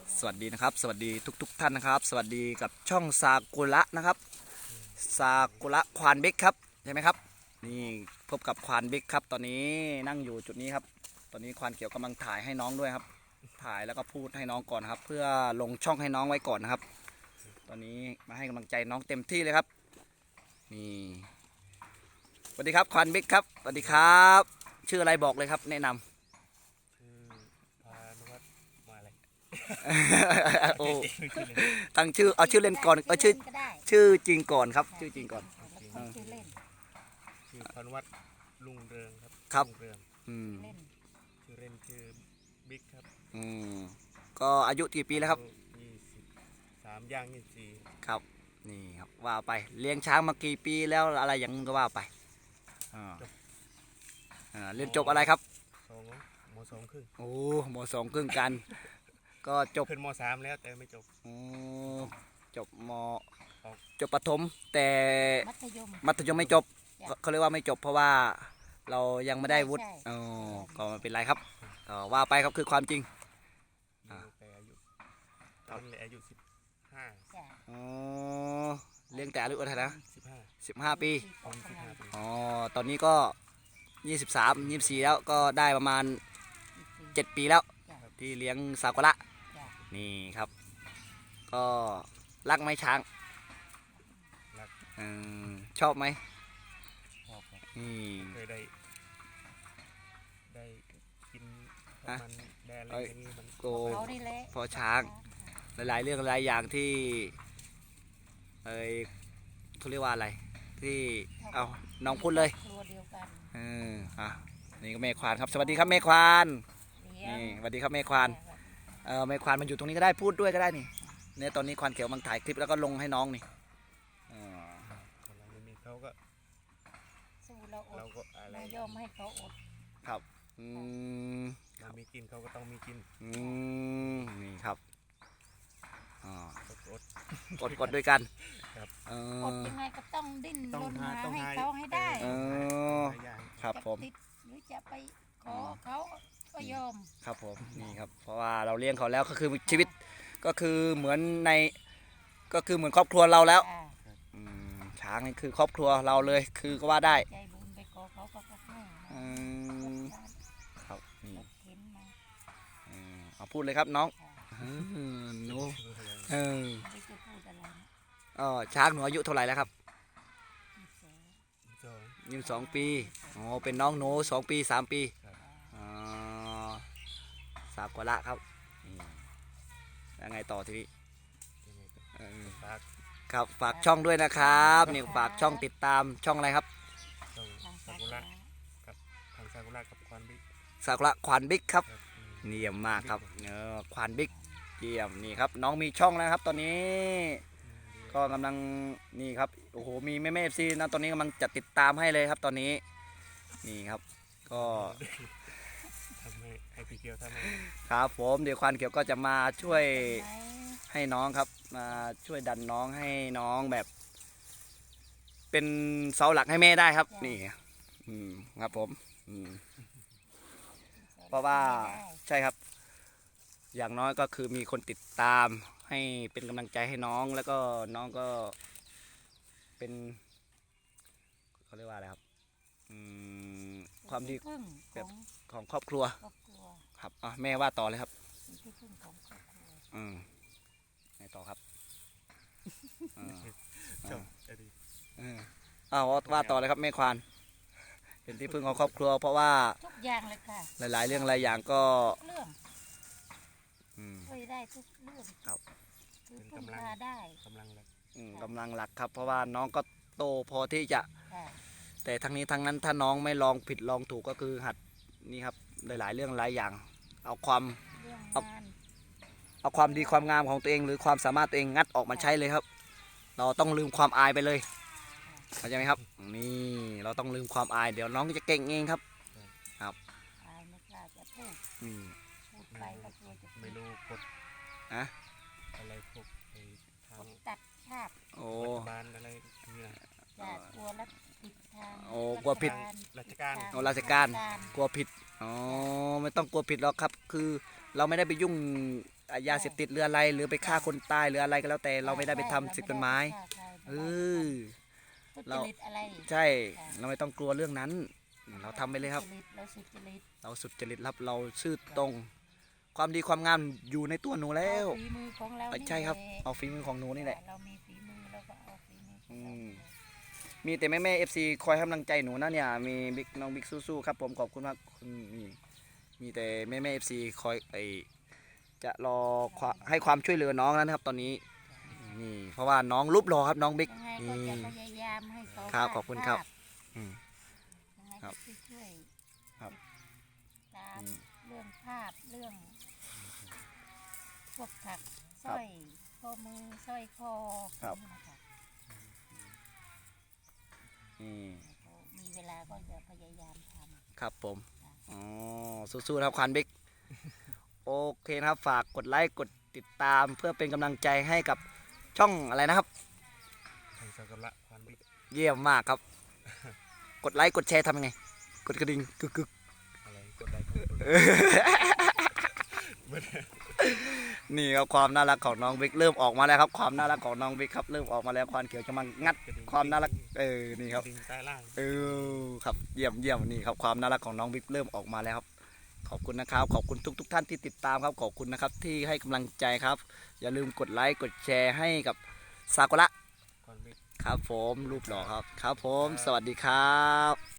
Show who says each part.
Speaker 1: สวัสดีนะครับสวัสดีทุกท่านนะครับสวัสดีกับช่องซากุระนะครับซากุระควานบิ๊กครับใช่ไหมครับนี่พบกับควานบิ๊กครับตอนนี้นั่งอยู่จุดนี้ครับตอนนี้ควานเขียวกำลังถ่ายให้น้องด้วยครับถ่ายแล้วก็พูดให้น้องก่อนครับเพื่อลงช่องให้น้องไว้ก่อนนะครับตอนนี้มาให้กำลังใจน้องเต็มที่เลยครับนี่สวัสดีครับควานบิ๊กครับสวัสดีครับชื่ออะไรบอกเลยครับแนะนำ
Speaker 2: ชื่อพานุวัฒน์มาอะไร
Speaker 1: โอ้ตั้งชื่อเอาชื่อเล่นก่อนเอาชื่อจริงก่อนครับชื่อจริงก่อน
Speaker 2: ชื่อเล่นชื่อพานุวัฒน์ลุงเรืองครับ
Speaker 1: ครับ
Speaker 2: ลุงเรือง
Speaker 1: อืม
Speaker 2: ชื่อเล่นชื่อบิ๊กครับ
Speaker 1: อืมก็อายุกี่ปีแล้วครับ
Speaker 2: 23ย่าง24
Speaker 1: ครับนี่ครับว่าไปเลี้ยงช้างมากี่ปีแล้วอะไรอย่างก็ว่าไปเรียนจบอะไรครับ
Speaker 2: ม.2 ครึ่ง
Speaker 1: โอ้ม.2 ครึ่งกันก็จบ
Speaker 2: ขึ้นม.3แล้วแต่ไม่จบ
Speaker 1: โอ้จบจบประถมแต่มัธยมไม่จบเขาเรียกว่าไม่จบเพราะว่าเรายังไม่ได้วุฒิอ๋อก็ไม่เป็นไรครับว่าไปครับคือความจริง
Speaker 2: แต่อายุตอนเลยอายุ15
Speaker 1: อ๋อเลี้ยงแต่อายุเท่าไหร่นะ
Speaker 2: 15
Speaker 1: 15 ปี
Speaker 2: 15 ปี
Speaker 1: อ๋อตอนนี้ก็23 24แล้วก็ได้ประมาณ7 ปีแล้วที่เลี้ยงซากุระนี่ครับก็รักไหมช้าง
Speaker 2: รัก
Speaker 1: ชอบไหม
Speaker 2: ชอบครับ
Speaker 1: นี่
Speaker 2: เคยได้กินมันได้อะไรอย่างนี้มัน
Speaker 1: โกพอช้างหลายๆเรื่องหลายอย่างที่เขาเรียกว่าอะไรที่เอาน้องพูดเลยนี่ก็แม่ควานครับสวัสดีครับแม่ควานนี่สวัสดีครับแม่ควานแม่ควานมันอยู่ตรงนี้ก็ได้พูดด้วยก็ได้นี่เนี่ยตอนนี้ควานเขียวมันถ่ายคลิปแล้วก็ลงให้น้องนี่
Speaker 2: เราไม่มีเขาก็เราก็อะไร
Speaker 3: ยอมให้เขาอด
Speaker 1: ครับ
Speaker 2: เรามีกินเขาก็ต้องมีกิน
Speaker 1: นี่ครับ
Speaker 2: อด
Speaker 1: ด้วยกัน
Speaker 3: อดยังไงก็ต้องดิ้นรนหาให้เขาให้ได้
Speaker 1: ครับผม
Speaker 3: หรือจะไปขอเขาก็ยอม
Speaker 1: ครับผมนี่ครับเพราะว่าเราเลี้ยงเขาแล้วก็คือชีวิตก็คือเหมือนก็คือเหมือนครอบครัวเราแล้วช้างนี่คือครอบครัวเราเลยคือก็ว่าได้
Speaker 3: ใจบุญไปขอเขาก็ให้
Speaker 1: ครับนี่เอาพูดเลยครับน้องหนูช้างหนูอายุเท่าไหร่แล้วครับ22 ปีอ๋อเป็นน้องหนู2 ปี3 ปีซากุระครับยังไงต่อทีนี้ครับฝากช่องด้วยนะครับนี่ฝากช่องติดตามช่องอะไรครับ
Speaker 2: ซากุระกับทางซากุระกับควานบิ๊ก
Speaker 1: ซากุระควานบิ๊กครับเยี่ยมมากครับควานบิ๊กเยี่ยมนี่ครับน้องมีช่องแล้วครับตอนนี้ก็กำลังนี่ครับโอ้โหมีแม่FCนะตอนนี้กำลังจัดติดตามให้เลยครับตอนนี้นี่ครับก็
Speaker 2: ทำให้พี่เกียวทำให้
Speaker 1: ครับผมเดี๋ยวควานเขียวก็จะมาช่วยให้น้องครับมาช่วยดันน้องให้น้องแบบเป็นเสาหลักให้แม่ได้ครับนี่ครับผมเพราะว่าใช่ครับอย่างน้อยก็คือมีคนติดตามให้เป็นกำลังใจให้น้องแล้วก็น้องก็เป็นเขาเรียกว่าอะไรครับความดีแบบของครอบครัวครับแม่ว่าต่อเลยครับไงต่อครับว่าต่อเลยครับแม่ควานเป็นที่พึ่งของครอบครัวเพราะว่า
Speaker 3: ทุกอย่างเลยค่ะ
Speaker 1: หลายๆเรื่องหลายอย่างก็
Speaker 3: ช่วยได้ทุกเรื่อง
Speaker 1: ครับ
Speaker 3: คือพึ่งพาได้
Speaker 1: กำลังหลักครับเพราะว่าน้องก็โตพอที่จะแต่ทั้งนี้ทั้งนั้นถ้าน้องไม่ลองผิดลองถูกก็คือหัดนี่ครับหลายๆเรื่องหลายอย่างเอาความดีความงามของตัวเองหรือความสามารถตัวเองงัดออกมาใช้เลยครับเราต้องลืมความอายไปเลยเข้าใจไหมครับนี่เราต้องลืมความอายเดี๋ยวน้องจะเก่งเองครับครับ
Speaker 3: อายไม่กล้าจะพูดไปก็กลัวจะ
Speaker 2: ไม่รู้กดอะไรพวกทาง
Speaker 3: ตัดชาบ
Speaker 2: บ้านอะไรนี่นะ
Speaker 3: กลัวแล้วผิดทาง
Speaker 1: กลัวผิด
Speaker 2: ราชการ
Speaker 1: กลัวผิดไม่ต้องกลัวผิดหรอกครับคือเราไม่ได้ไปยุ่งยาเสพติดหรืออะไร หรือไปฆ่าคนตายหรืออะไรก็แล้วแต่เราไม่ได้ไปทำผิดกฎหมายเออ
Speaker 3: ทุจ
Speaker 1: เรา
Speaker 3: ริตอะไร
Speaker 1: ใช่เราไม่ต้องกลัวเรื่องนั้น เราทำไปเลยครับ
Speaker 3: เราสุจริต
Speaker 1: เราสุจริตครับเราซื่อตรง ความดีความงามอยู่ในตัวหนูแล้ว
Speaker 3: เอาฝีมือของเรานี่
Speaker 1: ใช่ครับ
Speaker 3: แหละ
Speaker 1: เอาฝีมือของหนูนี่แหละ
Speaker 3: เรามีฝีมือเราก็เอาฝีมือของ
Speaker 1: อื
Speaker 3: เรา
Speaker 1: ม มีแต่แม่FC คอยให้กำลังใจหนูนะเนี่ยมีบิ๊กน้องบิ๊กสู้ๆครับผมขอบคุณมากคุณนี่มีแต่แม่FC คอยจะรอให้ความช่วยเหลือน้องนะครับ ตอนนี้นี่เพราะว่าน้องรูปหล่อครับน้องบิ๊ก
Speaker 3: ยังไงก็
Speaker 1: นี่
Speaker 3: จะพยายามให้เขา
Speaker 1: ครับ
Speaker 3: วาด
Speaker 1: ขอบคุณครับ
Speaker 3: ภาพ
Speaker 1: อืม
Speaker 3: ยังไง
Speaker 1: ครั
Speaker 3: ก็
Speaker 1: บ
Speaker 3: ช่วย
Speaker 1: ครับ
Speaker 3: ตาม
Speaker 1: อืม
Speaker 3: เรื่องภาพเรื่องพวกถักสร้อยข้อมือสร้อยคอ
Speaker 1: ครับ
Speaker 3: นี่นะคะ
Speaker 1: นี่
Speaker 3: เขามีเวลาก็จะพยายามทำ
Speaker 1: ครับผมอ๋อสู้ๆนะครับควานบิ๊กโอเคนะครับฝากกดไลค์กดติดตามเพื่อเป็นกำลังใจให้กับช่องอะไรนะครับ
Speaker 2: ทางสากละควานบิ๊ก
Speaker 1: เยี่ยมมากครับ กดไลค์กดแชร์ทำยังไง กดกระดิ่งกึกกึก
Speaker 2: อะไรกดไลค์กด
Speaker 1: นี่ครับความน่ารักของน้องบิ๊กเริ่มออกมาแล้วครับความน่ารักของน้องบิ๊กครับเริ่มออกมาแล้วควานเขียวจะมางัดความน่ารักนี่ครับ
Speaker 2: ดิ่งใต้ล่าง
Speaker 1: ครับเยี่ยมนี่ครับความน่ารักของน้องบิ๊กเริ่มออกมาแล้วครับขอบคุณนะครับขอบคุณทุกท่านที่ติดตามครับขอบคุณนะครับที่ให้กำลังใจครับ อย่าลืมกดไลค์กดแชร์ให้กับซากุระ
Speaker 2: ควานบิ๊ก
Speaker 1: ครับผมรูปหล่อครับครับผมสวัสดีครับ